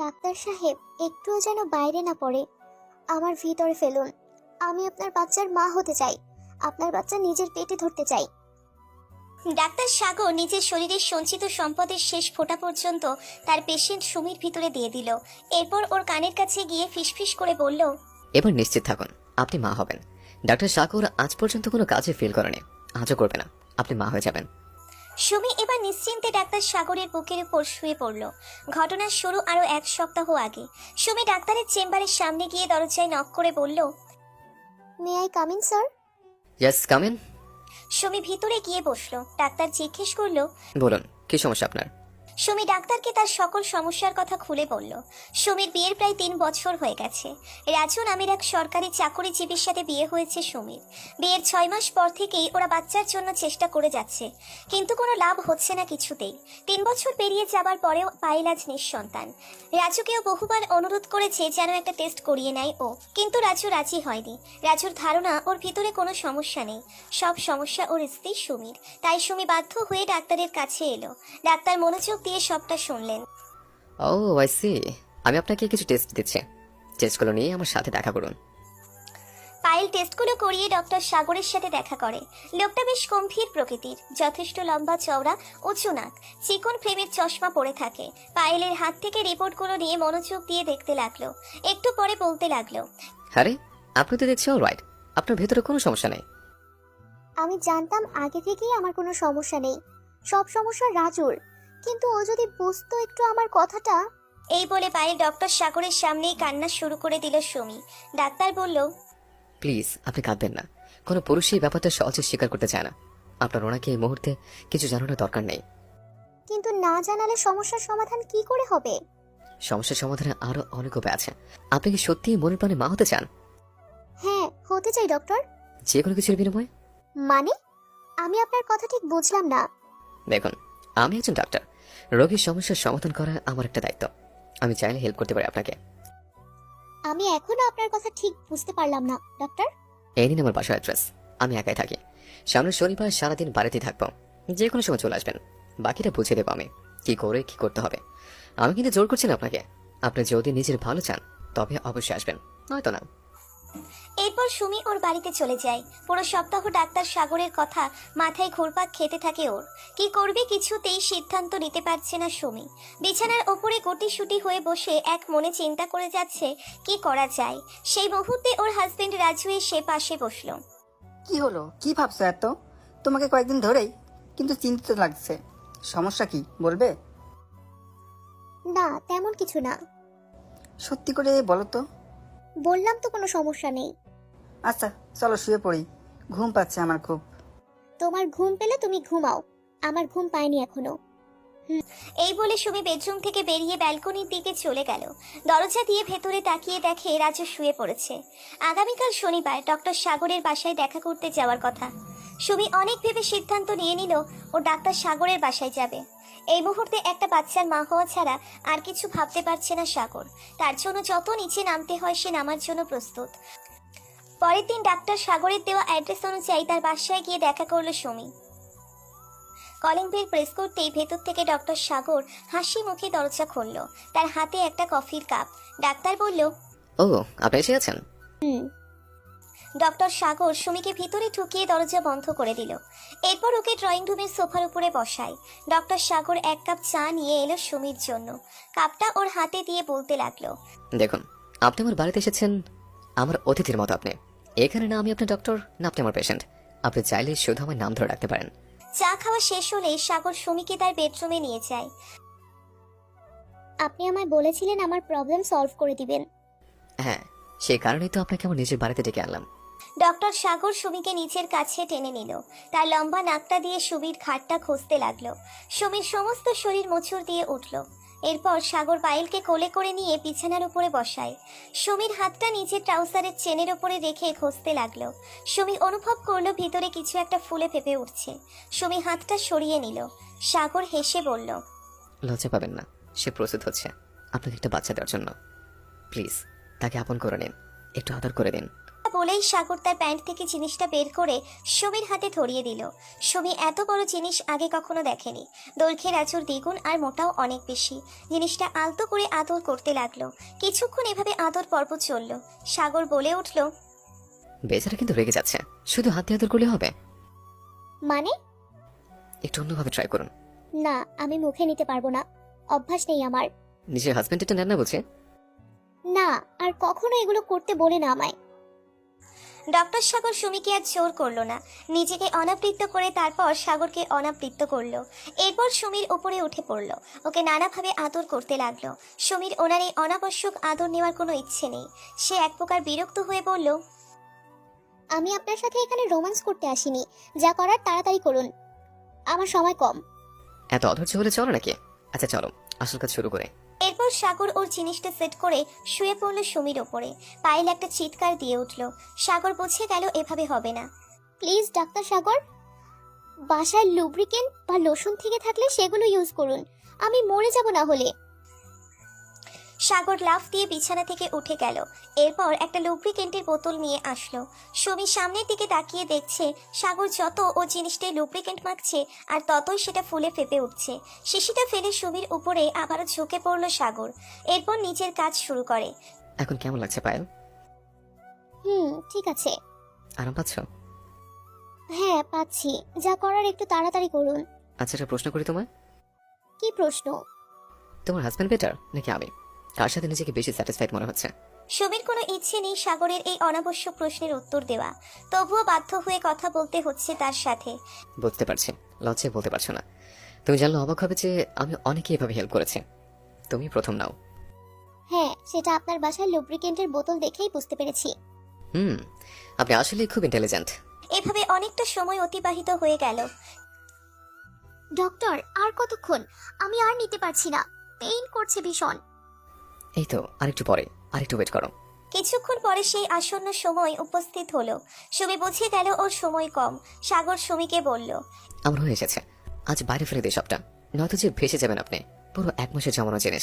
Doctor সাহেব, একটুও যেন বাইরে না পড়ে। আমার ভিতরে ফেলুন। আমি আপনার বাচ্চার মা হতে চাই। আপনার বাচ্চা নিজের পেটে ধরতে চাই। ডাক্তার সাগর নিজের শরীরের সঞ্চিত সম্পদের শেষ ফোঁটা পর্যন্ত তার পেশেন্ট সুমির ভিতরে দিয়ে দিল। এরপর ওর কানের কাছে গিয়ে ফিসফিস করে বলল, এবার নিশ্চিত থাকুন আপনি মা হবেন। ডাক্তার সাগর আজ পর্যন্ত কোনো কাজে ফিল করেনি, আজও করবে না। আপনি মা হয়ে যাবেন। সুমি এবার নিশ্চিন্তে ডাক্তার সাগরের বুকের উপর শুয়ে পড়ল। ঘটনার শুরু আরো 1 সপ্তাহ আগে। সুমি ডাক্তারের চেম্বারের সামনে গিয়ে দরজায় নক করে বলল, may I come in sir? Yes come in. Sumi ভিতরে গিয়ে বসলো। ডাক্তার জিজ্ঞেস করলো, বলুন কি সমস্যা আপনার? সুমি ডাক্তারকে তার সকল সমস্যার কথা খুলে বলল। সুমির বিয়ের প্রায় 3 বছর হয়ে গেছে। রাজু নামের এক সরকারি চাকরিজীবীর সাথে বিয়ে হয়েছে সুমির। বিয়ের 6 মাস পর থেকেই ওরা বাচ্চার জন্য চেষ্টা করে যাচ্ছে, কিন্তু কোনো লাভ হচ্ছে না কিছুতেই। 3 বছর পেরিয়ে যাবার পরেও পায়েল আজ নিঃসন্তান। রাজুকেও বহুবার অনুরোধ করেছে যেন একটা টেস্ট করিয়ে নেয় ও, কিন্তু রাজু রাজি হয়নি। রাজুর ধারণা ওর ভিতরে কোনো সমস্যা নেই, সব সমস্যা ওর স্ত্রী সুমির। তাই সুমি বাধ্য হয়ে ডাক্তারের কাছে এলো। ডাক্তার মনোযোগ দিয়ে সবটা শুনলেন। Oh I see. আমি আপনাকে কিছু টেস্ট দিচ্ছি, টেস্টগুলো নিয়ে আমার সাথে দেখা করুন। পায়েল টেস্টগুলো করিয়ে ডক্টর সাগরের সাথে দেখা করে। লোকটা বেশ গম্ভীর প্রকৃতির, যথেষ্ট লম্বা চওড়া, উঁচু নাক, চিকন ফ্রেমের চশমা পরে থাকে। পায়েলের হাত থেকে রিপোর্টগুলো নিয়ে মনোযোগ দিয়ে দেখতে লাগলো। একটু পরে বলতে লাগলো, আরে আপনি তো দেখছি অলরাইট, আপনার ভেতরে কোনো সমস্যা নেই। আমি জানতাম আগে থেকেই আমার কোনো সমস্যা নেই, সব সমস্যা রাজুর। কিন্তু ও যদি বুঝতো একটু আমার কথাটা। এই বলে পায়েল ডক্টর সাগরের সামনেই কান্না শুরু করে দিল সুমি। ডাক্তার বলল, প্লিজ আপনি কাঁদবেন না। কোনো পুরুষই এই ব্যাপারটা সহজে স্বীকার করতে চায় না। আপনার ওনাকে এই মুহূর্তে কিছু জানানোর দরকার নেই। কিন্তু না জানালে সমস্যার সমাধান কি করে হবে? সমস্যার সমাধানে আরো অনেক উপায় আছে। আপনি কি সত্যিই মনের প্রাণে মা হতে চান? হ্যাঁ, হতে চাই ডক্টর। যে কোনো কিছুর বিনিময়ে? মানে, আমি আপনার কথা ঠিক বুঝলাম না। দেখুন, আমি একজন ডাক্তার। রোগীর সমস্যার সমাধান করা আমার একটা দায়িত্ব। আমি চাইলে হেল্প করতে পারি আপনাকে। আমি এখনো আপনার কথা ঠিক বুঝতে পারলাম না ডক্টর। এই নিন আমার বাসার অ্যাড্রেস। আমি একাই থাকি। সামনের শনিবার সারাদিন বাড়িতেই থাকবো, যে কোনো সময় চলে আসবেন। বাকিটা বুঝিয়ে দেবো আমি কি করে কি করতে হবে। আমি কিন্তু জোর করছি না আপনাকে। আপনি যদি নিজের ভালো চান তবে অবশ্যই আসবেন, নয়তো না। এরপর সুমি ওর বাড়িতে চলে যায়। পুরো সপ্তাহ ডাক্তার সাগরের কথা মাথায় ঘুরপাক খেতে থাকে ওর। কি করবে কিছুতেই সিদ্ধান্ত নিতে পারছে না সুমি। বিছানার ওপরে গুটিসুটি হয়ে বসে এক মনে চিন্তা করে যাচ্ছে কি করা যায়। সেই মুহূর্তে ওর হাজবেন্ড রাজু এসে পাশে বসলো। কি হলো, কি ভাবছো এত? তোমাকে কয়েকদিন ধরেই কিন্তু চিন্তিত লাগছে। সমস্যা কি বলবে? না, তেমন কিছু না। সত্যি করে বলো তো। বললাম তো কোনো সমস্যা নেই। আচ্ছা চলো শুয়ে পড়ি, ঘুম পাচ্ছে আমার খুব। তোমার ঘুম পেলে তুমি ঘুমাও, আমার ঘুম পায়নি এখনো। এই বলে সুমি বেডরুম থেকে বেরিয়ে ব্যালকনির দিকে চলে গেল। দরজা দিয়ে ভেতরে তাকিয়ে দেখে রাজু শুয়ে পড়েছে। আগামীকাল শনিবার ডক্টর সাগরের বাসায় দেখা করতে যাওয়ার কথা। সুমি অনেক ভেবে সিদ্ধান্ত নিয়ে নিল ও ডাক্তার সাগরের বাসায় যাবে। এই মুহূর্তে একটা বাচ্চার মা হওয়া ছাড়া আর কিছু ভাবতে পারছে না সাগর। তার জন্য যত নিচে নামতে হয় সে নামার জন্য প্রস্তুত। পরের দিন ডাক্তার সাগরের দেওয়া অ্যাড্রেস অনুযায়ী তার বাসায় গিয়ে দেখা করলো সুমি। কলিং বেল প্রেস করতেই ভেতর থেকে ডক্টর সাগর হাসি মুখে দরজা খুলল। তার হাতে একটা কফির কাপ। ডাক্তার বলল, ও আপনি এসে আছেন? ডক্টর সাগর সুমিকে ভিতরে ঢুকিয়ে দরজা বন্ধ করে দিল। এরপর ওকে ড্রয়িং রুমের সোফার উপরে বসায়। ডক্টর সাগর 1 কাপ চা নিয়ে এলো সুমির জন্য। কাপটা ওর হাতে দিয়ে বলতে লাগলো, দেখুন, আপনি আমার বাড়িতে এসেছেন আমার অতিথির মতো। আপনি এখানে না আমি আপনার ডক্টর, না আপনি আমার পেশেন্ট। আপনি চাইলে শুধু আমার নাম ধরে রাখতে পারেন। চা খাওয়া শেষ হলে সাগর সুমিকে তার বেডরুমে নিয়ে যায়। আপনি আমায় বলেছিলেন আমার প্রবলেম সলভ করে দিবেন। হ্যাঁ, সেই কারণেই তো আপনাকে আমার নিজের বাড়িতে ডেকে আনলাম। ডক্টর সাগর সুমিকে নিচের কাছে টেনে নিল। তার লম্বা নাকটা দিয়ে সুমির ঘাটটা খুঁজতে লাগলো। সুমির সমস্ত শরীর মোচড় দিয়ে উঠল। এরপর সাগর পায়েলকে কোলে করে নিয়ে বিছানার উপরে বসায়। সুমির হাতটা নিচে ট্রাউজারের চেনের উপরে রেখে খুঁজতে লাগলো। সুমি অনুভব করলো ভিতরে কিছু একটা ফুলে ফেপে উঠছে। সুমি হাতটা সরিয়ে নিল। সাগর হেসে বলল, লজ্জা পাবেন না, সে প্রস্তুত হচ্ছে আপনাকে একটা বাচ্চা দেওয়ার জন্য। প্লিজ তাকে আপন করে নিন, একটু আদর করে দিন। বলেই সাগর তার প্যান্ট থেকে জিনিসটা বের করে সুমির হাতে ধরিয়ে দিল। সুমি এত বড় জিনিস আগে কখনো দেখেনি। দৈর্ঘ্যের আঁচড় দ্বিগুণ আর মোটাও অনেক বেশি। জিনিসটা আলতো করে আদর করতে লাগলো। কিছুক্ষণ এভাবে আদর পর্ব চলল। সাগর বলে উঠল, বেচারা কিন্তু রেগে যাচ্ছে, শুধু হাতে আদর করলে হবে? মানে? একটু অন্যভাবে ট্রাই করুন। না, আমি মুখে নিতে পারবো না, অভ্যাস নেই আমার। নিজের হাজবেন্ড এটা নেন না বলছে। না, আর কখনো এগুলো করতে বলে না আমায়। ডক্টর সাগর সুমিকে আর জোর করলো না, নিজেকে অনাবৃত্ত করে তারপর সাগরকে অনাবৃত্ত করলো। এরপর সুমির উপরে উঠে পড়লো, ওকে নানাভাবে আদর করতে লাগলো। সুমির ওনার এই অনাবশ্যক আদর নেওয়ার কোনো ইচ্ছে নেই। সে এক প্রকার বিরক্ত হয়ে বলল, আমি আপনার সাথে এখানে রোম্যান্স করতে আসিনি, যা করার তাড়াতাড়ি করুন, আমার সময় কম। এত অধৈর্য হলে চলো নাকি? আচ্ছা চলো, আসল কাজ শুরু করে। এরপর সাগর ওর জিনিসটা সেট করে শুয়ে পড়লো সুমির ওপরে। পায়েল একটা চিৎকার দিয়ে উঠল। সাগর বুঝে গেল এভাবে হবে না। প্লিজ ডাক্তার সাগর, বাসায় লুব্রিকেন্ট বা লোশন থেকে থাকলে সেগুলো ইউজ করুন, আমি মরে যাব না হলে। সাগর লাফ দিয়ে বিছানা থেকে উঠে গেল। এরপর একটা লুব্রিকেন্টের বোতল নিয়ে আসলো। সুমি সামনের দিকে তাকিয়ে দেখছে সাগর যত ও জিনিসটায় লুব্রিকেন্ট মাখছে আর ততই সেটা ফুলে ফেপে উঠছে। শিশিটা ফেলে সুমির উপরে আবারও ঝুঁকে পড়লো সাগর। এরপর নিজের কাজ শুরু করে। এখন কেমন লাগছে পায়েল? ঠিক আছে। আরাম পাচ্ছ? হ্যাঁ পাচ্ছি, যা করার একটু তাড়াতাড়ি করুন। আচ্ছা একটা প্রশ্ন করি তোমায়। কি প্রশ্ন? তোমার হাজবেন্ড বেটার নাকি আমি? কার সাথে নিজেকে বেশি স্যাটিসফাইড মনে হচ্ছে? সুমির কোনো ইচ্ছে নেই সাগরের এই অনাবশ্যক প্রশ্নের উত্তর দেওয়া, তবুও বাধ্য হয়ে কথা বলতে হচ্ছে তার সাথে। বুঝতে পারছি, লজ্জায় বলতে পারছো না। তুমি জানলে অবাক হবে যে আমি অনেকে এভাবে হেল্প করেছি, তুমি প্রথম নাও। হ্যাঁ, সেটা আপনার বাসায় লুব্রিকেন্টের বোতল দেখেই বুঝতে পেরেছি। আপনি আসলে খুব ইন্টেলিজেন্ট। এভাবে অনেকটা সময় অতিবাহিত হয়ে গেল। ডক্টর, আর কতক্ষণ? আমি আর নিতে পারছি না, পেইন করছে ভীষণ। এই তো আরেকটু পরে, আরেকটু ওয়েট করো। কিছুক্ষণ পরে সেই আসন্ন সময় উপস্থিত হলো। সুমি বুঝে গেল ওর সময় কম। সাগর সুমিকে বলল, আমার হয়ে এসেছে, আজ বাইরে ফেলে দিই সবটা, নয়তো যে ভেসে যাবেন আপনি। পুরো 1 মাসের জমানো জিনিস।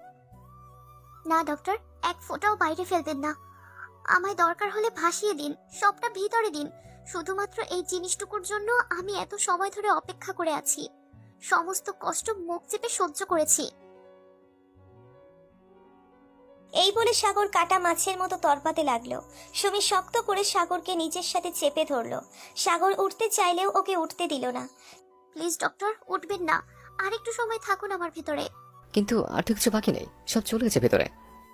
না ডক্টর, এক ফোঁটাও বাইরে ফেলবেন না, আমায় দরকার হলে ভাসিয়ে দিন, সবটা ভিতরে দিন। শুধুমাত্র এই জিনিসটুকুর জন্য আমি এত সময় ধরে অপেক্ষা করে আছি, সমস্ত কষ্ট মুখ চেপে সহ্য করেছি। এই বলে সাগর কাটা মাছের মতো তরপাতে লাগলো। সুমি শক্ত করে সাগরকে নিজের সাথে চেপে ধরলো। সাগর উঠতে চাইলেও ওকে উঠতে দিল না। প্লিজ ডক্টর, উঠবেন না, আর একটু সময় থাকুন আমার ভিতরে। কিন্তু আর তো কিছু বাকি নেই, সব চলে গেছে ভেতরে।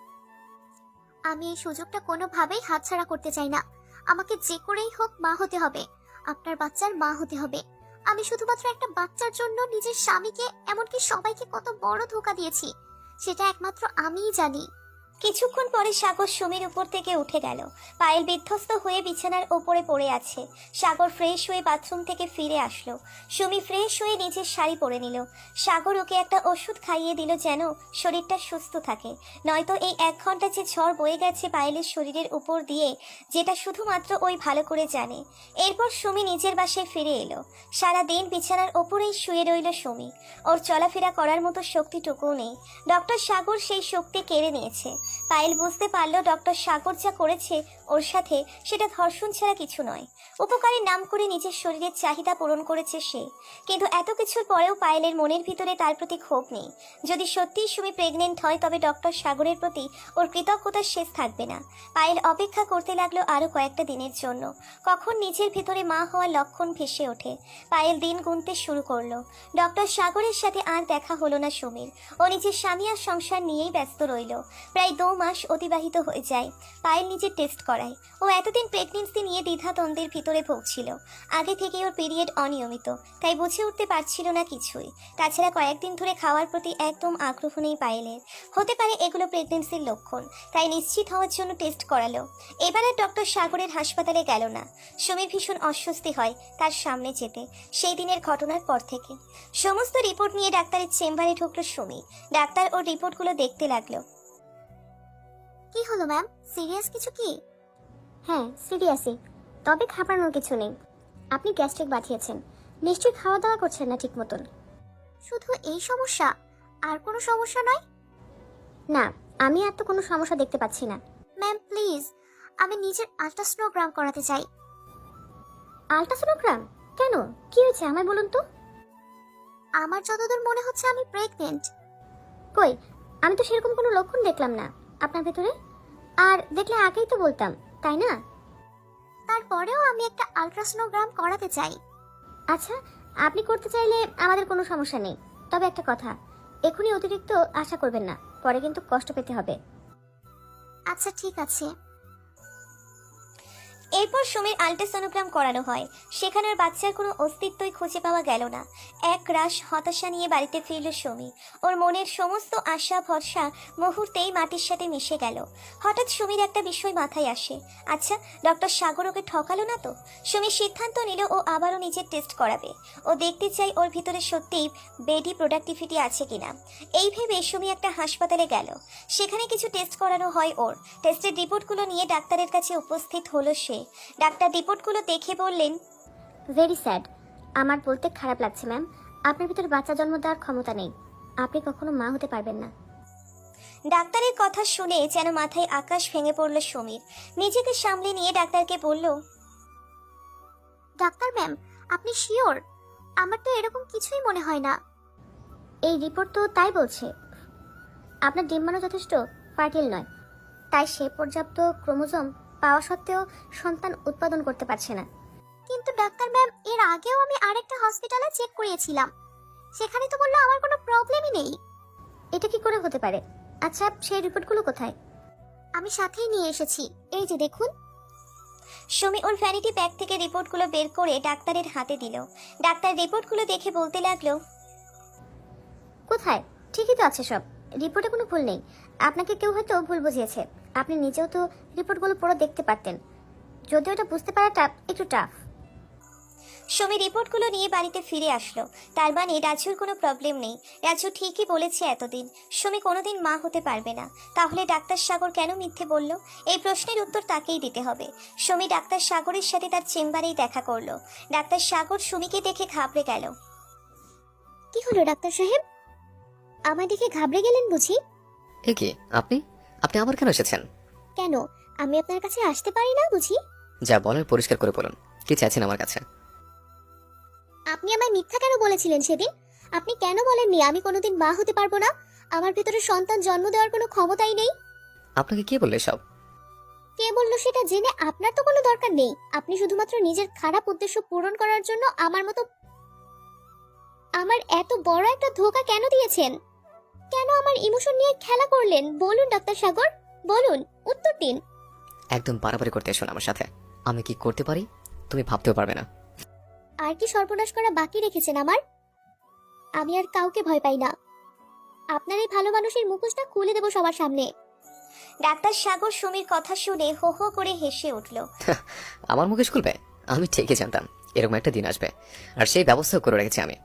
আমি এই সুযোগটা কোনোভাবেই হাতছাড়া করতে চাই না। আমাকে যে করেই হোক মা হতে হবে, আপনার বাচ্চার মা হতে হবে। আমি শুধুমাত্র একটা বাচ্চার জন্য নিজের স্বামীকে, এমনকি সবাইকে কত বড় ধোঁকা দিয়েছি, সেটা একমাত্র আমিই জানি। কিছুক্ষণ পরে সাগর সুমির উপর থেকে উঠে গেল। পায়েল বিধ্বস্ত হয়ে বিছানার ওপরে পড়ে আছে। সাগর ফ্রেশ হয়ে বাথরুম থেকে ফিরে আসলো। সুমি ফ্রেশ হয়ে নিজের শাড়ি পরে নিল। সাগর ওকে একটা ওষুধ খাইয়ে দিল যেন শরীরটা সুস্থ থাকে, নয়তো এই 1 ঘন্টা যে ঝড় বয়ে গেছে পায়েলের শরীরের উপর দিয়ে, যেটা শুধুমাত্র ওই ভালো করে জানে। এরপর সুমি নিজের বাসায় ফিরে এলো। সারা দিন বিছানার ওপরেই শুয়ে রইল সুমি। ওর চলাফেরা করার মতো শক্তিটুকুও নেই। ডক্টর সাগর সেই শক্তি কেড়ে নিয়েছে। পায়েল বুঝতে পারল ডক্টর সাগর যা করেছে ওর সাথে, সেটা ধর্ষণ ছাড়া কিছু নয়। উপকারের নাম করে নিজের শরীরের চাহিদা পূরণ করেছে সে। কিন্তু এত কিছুর পরেও পায়েলের মনের ভিতরে তার প্রতি ক্ষোভ নেই। যদি সত্যিই সুমি প্রেগনেন্ট হয় তবে ডক্টর সাগরের প্রতি ওর কৃতজ্ঞতার শেষ থাকবে না। পায়েল অপেক্ষা করতে লাগলো আরো কয়েকটা দিনের জন্য, কখন নিজের ভিতরে মা হওয়ার লক্ষণ ভেসে ওঠে। পায়েল দিন গুনতে শুরু করলো। ডক্টর সাগরের সাথে আর দেখা হলো না সুমির। ও নিজের স্বামী আর সংসার নিয়েই ব্যস্ত রইল। প্রায় 2 মাস অতিবাহিত হয়ে যায়। পায়েল নিজের টেস্ট করায়। ও এতদিন প্রেগনেন্সি নিয়ে দ্বিধাদ্বন্দ্বের ভিতরে ভুগছিল। আগে থেকে ওর পিরিয়ড অনিয়মিত, তাই বুঝে উঠতে পারছিল না কিছুই। তাছাড়া কয়েকদিন ধরে খাওয়ার প্রতি একদম আগ্রহ নেই পায়েলের। হতে পারে এগুলো প্রেগনেন্সির লক্ষণ, তাই নিশ্চিত হওয়ার জন্য টেস্ট করালো। এবার আর ডক্টর সাগরের হাসপাতালে গেল না। সুমির ভীষণ অস্বস্তি হয় তার সামনে যেতে, সেই দিনের ঘটনার পর থেকে। সমস্ত রিপোর্ট নিয়ে ডাক্তারের চেম্বারে ঢুকলো সুমি। ডাক্তার ওর রিপোর্টগুলো দেখতে লাগলো। কি হলো ম্যাম, সিরিয়াস কিছু কি? হ্যাঁ সিরিয়াসই, তবে ঘাবড়ানোর কিছু নেই। আপনি গ্যাস্ট্রিক বাঁধিয়েছেন, নিশ্চয়ই খাওয়া দাওয়া করছেন না ঠিক মতন। শুধু এই সমস্যা, আর কোনো সমস্যা নয়? না, আমি আর তো কোনো সমস্যা দেখতে পাচ্ছি না। ম্যাম প্লিজ, আমি নিজের আল্ট্রাসোনোগ্রাম করাতে চাই। আল্ট্রাসোনোগ্রাম? কেন, কি হয়েছে আমায় বলুন তো। আমার যতদূর মনে হচ্ছে আমি প্রেগনেন্ট। কই, আমি তো সেরকম কোনো লক্ষণ দেখলাম না আপনার ভেতরে। আর দেখলে আগেই তো বলতাম, তাই না? তারপরেও আমি একটা আল্ট্রাসোনোগ্রাম করাতে চাই। আচ্ছা, আপনি করতে চাইলে আমাদের কোনো সমস্যা নেই, তবে একটা কথা, এখনই অতিরিক্ত আশা করবেন না, পরে কিন্তু কষ্ট পেতে হবে। আচ্ছা ঠিক আছে। এরপর সুমির আল্ট্রাসোনোগ্রাম করানো হয়। সেখানে আর বাচ্চার কোনো অস্তিত্বই খুঁজে পাওয়া গেল না। এক রাশ হতাশা নিয়ে বাড়িতে ফিরল সুমি। ওর মনের সমস্ত আশা ভরসা মুহূর্তেই মাটির সাথে মিশে গেল। হঠাৎ সুমির একটা বিষয় মাথায় আসে। আচ্ছা, ডক্টর সাগর ওকে ঠকালো না তো? সুমি সিদ্ধান্ত নিল ও আবারও নিজের টেস্ট করাবে। ও দেখতে চাই ওর ভিতরে সত্যিই বেডি প্রোডাক্টিভিটি আছে কিনা। এই ভেবে সুমি একটা হাসপাতালে গেল। সেখানে কিছু টেস্ট করানো হয় ওর। টেস্টের রিপোর্টগুলো নিয়ে ডাক্তারের কাছে উপস্থিত হলো সে। ডাক্তার রিপোর্টগুলো দেখে বললেন, ভেরি স্যাড। আমার বলতে খারাপ লাগছে ম্যাম, আপনার ভিতরে বাচ্চা জন্ম দেওয়ার ক্ষমতা নেই, আপনি কখনো মা হতে পারবেন না। ডাক্তারের কথা শুনে যেন মাথায় আকাশ ভেঙে পড়ল সুমির। নিজেকে সামলে নিয়ে ডাক্তারকে বলল, ডাক্তার ম্যাম, আপনি শিওর? আমার তো এরকম কিছুই মনে হয় না। এই রিপোর্ট তো তাই বলছে। আপনার ডিম্বাণু যথেষ্ট ফার্টিল নয়, তাই সে পর্যাপ্ত ক্রোমোজোম পাওয়া সত্ত্বেও সন্তান উৎপাদন করতে পারছে না। কিন্তু ডাক্তার ম্যাম, এর আগেও আমি আরেকটা হসপিটালে চেক করিয়েছিলাম, সেখানে তো বললো আমার কোনো প্রবলেমই নেই। এটা কি করে হতে পারে? আচ্ছা, সেই রিপোর্টগুলো কোথায়? আমি সাথেই নিয়ে এসেছি, এই যে দেখুন। সুমি ওর ভ্যানিটি ব্যাগ থেকে রিপোর্টগুলো বের করে ডাক্তারের হাতে দিল। ডাক্তার রিপোর্টগুলো দেখে বলতে লাগলো, কোথায়, ঠিকই তো আছে সব, রিপোর্টে কোনো ভুল নেই। আপনাকে কেউ হয়তো ভুল বুঝিয়েছে, আপনি নিজেও তো রিপোর্টগুলো পুরো দেখতে পারতেন, যদিও এটা বুঝতে পারাটা একটু টাফ। সুমি রিপোর্টগুলো নিয়ে বাড়িতে ফিরে আসলো। তার মানে রাজুর কোনো প্রবলেম নেই। রাজু ঠিকই বলেছে, এতদিন সুমি কোনোদিন মা হতে পারবে না। তাহলে ডাক্তার সাগর কেন মিথ্যে বলল? এই প্রশ্নের উত্তর তাকেই দিতে হবে। সুমি ডাক্তার সাগরের সাথে তার চেম্বারেই দেখা করলো। ডাক্তার সাগর সুমিকে দেখে ঘাবড়ে গেল। কি হলো ডাক্তার সাহেব, আমার দেখে ঘাবড়ে গেলেন বুঝি? এ কি, আপনি আপনি আবার কেন এসেছেন? কেন, আমি আপনার কাছে আসতে পারি না বুঝি? যা বলার পরিষ্কার করে বলুন, কি চাইছেন আমার কাছে? আপনি আমায় মিথ্যা কেন বলেছিলেন সেদিন? আপনি কেন বলেননি আমি কোনোদিন মা হতে পারবো না? আমার ভিতরে সন্তান জন্ম দেওয়ার কোনো ক্ষমতাই নেই। আপনাকে কে বললে সব? কে বললো সেটা জেনে আপনার তো কোনো দরকার নেই। আপনি শুধুমাত্র নিজের খারাপ উদ্দেশ্য পূরণ করার জন্য আমার এত বড় একটা ধোঁকা কেন দিয়েছেন? কেন আমার ইমোশন নিয়ে খেলা করলেন? বলুন ডাক্তার সাগর, বলুন, উত্তর দিন। একদম বাড়াবাড়ি করতে এসো না আমার সাথে। আমি কি করতে পারি তুমি ভাবতেও পারবে না। আর কি সর্বনাশ করা বাকি রেখেছেন আমার? আমি আর কাউকে ভয় পাই না। আপনার এই ভালো মানুষের মুখোশটা খুলে দেব সবার সামনে। ডাক্তার সাগর সুমির কথা শুনে হো হো করে হেসে উঠল। আমার মুখে খুলবে? আমি ঠিকই জানতাম এরকম একটা দিন আসবে, আর সেই ব্যবস্থাও করে রেখেছি আমি।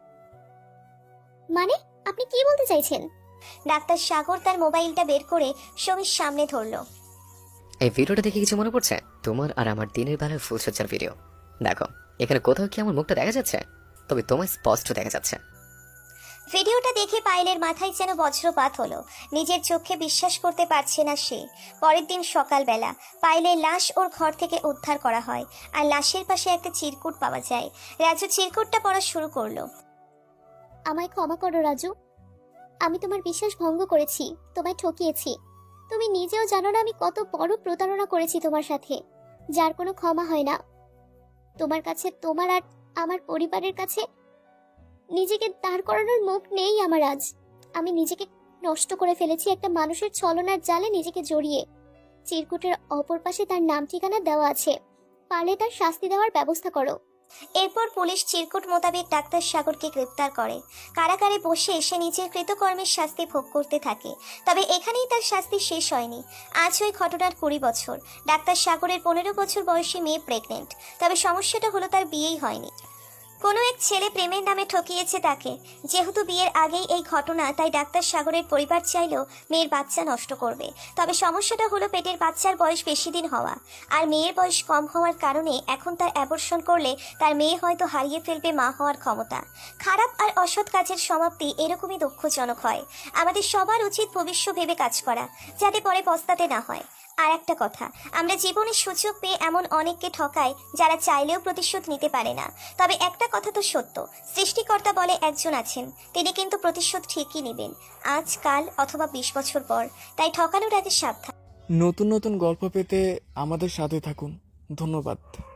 মানে আপনি কি বলতে চাইছেন? ডাক্তার সাগর তার মোবাইলটা বের করে সুমির সামনে ধরলো। এই ভিডিওটা দেখে কিছু মনে পড়ছে? তোমার আর আমার দিনের বেলার ফুলসজ্জার ভিডিও। দেখো, এখানে কোথাও কি আমার মুখটা দেখা যাচ্ছে? তবে তোমায় স্পষ্ট দেখা যাচ্ছে। ভিডিওটা দেখে পায়েলের মাথায় যেন বজ্রপাত হলো। নিজের চোখে বিশ্বাস করতে পারছে না সে। পরের দিন সকালবেলা পায়েলের লাশ ওর ঘর থেকে উদ্ধার করা হয়, আর লাশের পাশে একটা চিরকুট পাওয়া যায়। রাজু চিরকুটটা পড়া শুরু করলো। আমায় ক্ষমা করো রাজু, আমি তোমার বিশ্বাস ভঙ্গ করেছি, তোমায় ঠকিয়েছি। তুমি নিজেও জানো না আমি কত বড় প্রতারণা করেছি তোমার সাথে, যার কোনো ক্ষমা হয় না। তোমার কাছে, তোমার আর আমার পরিবারের কাছে নিজেকে দাঁড় করানোর মুখ নেই আমার আজ। আমি নিজেকে নষ্ট করে ফেলেছি একটা মানুষের ছলনার জালে নিজেকে জড়িয়ে। চিরকুটের অপর পাশে তার নাম ঠিকানা দেওয়া আছে, পারলে তার শাস্তি দেওয়ার ব্যবস্থা করো। এরপর পুলিশ চিরকুট মোতাবেক ডাক্তার সাগরকে গ্রেপ্তার করে। কারাগারে বসে এসে নিজের কৃতকর্মের শাস্তি ভোগ করতে থাকে। তবে এখানেই তার শাস্তি শেষ হয়নি। আজ ওই ঘটনার 20 বছর। ডাক্তার সাগরের 15 বছর বয়সী মেয়ে প্রেগনেন্ট। তবে সমস্যাটা হলো তার বিয়েই হয়নি। কোনো এক ছেলে প্রেমের নামে ঠকিয়েছে তাকে। যেহেতু বিয়ের আগেই এই ঘটনা, তাই ডাক্তার সাগরের পরিবার চাইলেও মেয়ের বাচ্চা নষ্ট করবে। তবে সমস্যাটা হলো পেটের বাচ্চার বয়স বেশি দিন হওয়া, আর মেয়ের বয়স কম হওয়ার কারণে এখন তার অ্যাবর্শন করলে তার মেয়ে হয়তো হারিয়ে ফেলবে মা হওয়ার ক্ষমতা। খারাপ আর অসৎ কাজের সমাপ্তি এরকমই দুঃখজনক হয়। আমাদের সবার উচিত ভবিষ্য ভেবে কাজ করা, যাতে পরে পস্তাতে না হয়। আর একটা কথা, আমরা জীবনে সুযোগ পেয়ে এমন অনেককে ঠকাই যারা চাইলেও প্রতিশোধ নিতে পারে না। তবে একটা কথা তো সত্য, সৃষ্টিকর্তা বলে একজন আছেন, তিনি কিন্তু প্রতিশোধ ঠিকই নেবেন, আজ কাল অথবা 20 বছর পর। তাই ঠকানোর আগে সাবধান। নতুন নতুন গল্প পেতে আমাদের সাথে থাকুন। ধন্যবাদ।